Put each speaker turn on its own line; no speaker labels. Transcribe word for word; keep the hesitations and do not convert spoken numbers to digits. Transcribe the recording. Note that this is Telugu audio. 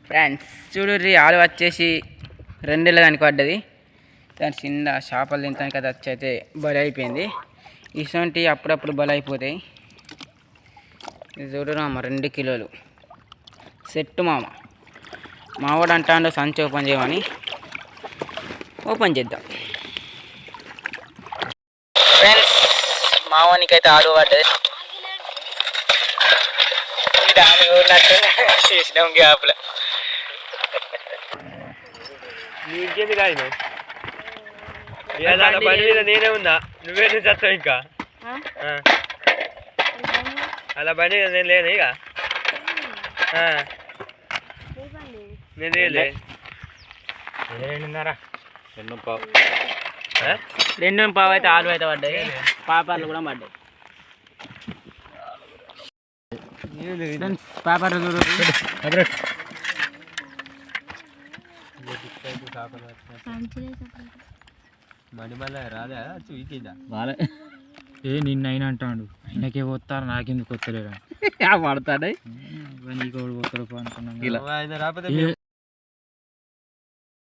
ఫ్రెండ్స్ చూడుర్రి ఆలు వచ్చేసి రెండేళ్ళ దానికి పడ్డది. దాని చిన్న చేపలు తింటానికి అది వచ్చి అయితే బలి అయిపోయింది. ఇటువంటి అప్పుడప్పుడు బలి అయిపోతాయి. ఇది చూడరు మామ రెండు కిలోలు సెట్ మామ. మావాడు అంటాడు సంచి ఓపెన్ చేయమని. ఓపెన్ చేద్దాం ఫ్రెండ్స్. మావానికి అయితే ఆలు పడ్డది. చేసినాం గ్యాప్లో
నీకేంది కాదు బండి మీద నేనే ఉందా నువ్వే నుంచి వస్తావు ఇంకా అలా బండి మీద నేను లేను ఇక నేను లేలే రెండున్నర రెండు పావు
రెండు పావు అయితే ఆలు అయితే పడ్డాయి. పాపర్లు కూడా పడ్డాయి. పేపర్లు చూడు
మడి మళ్ళీ రాదా చూకిందా
రాలే. ఏ నిన్న అయినా అంటాడు ఆయనకే పోతారు నాకెందుకు వస్తలేడు
పడతాడు.
నీకు పోతాడు అనుకున్నాను.
ఆయన రాకపోతే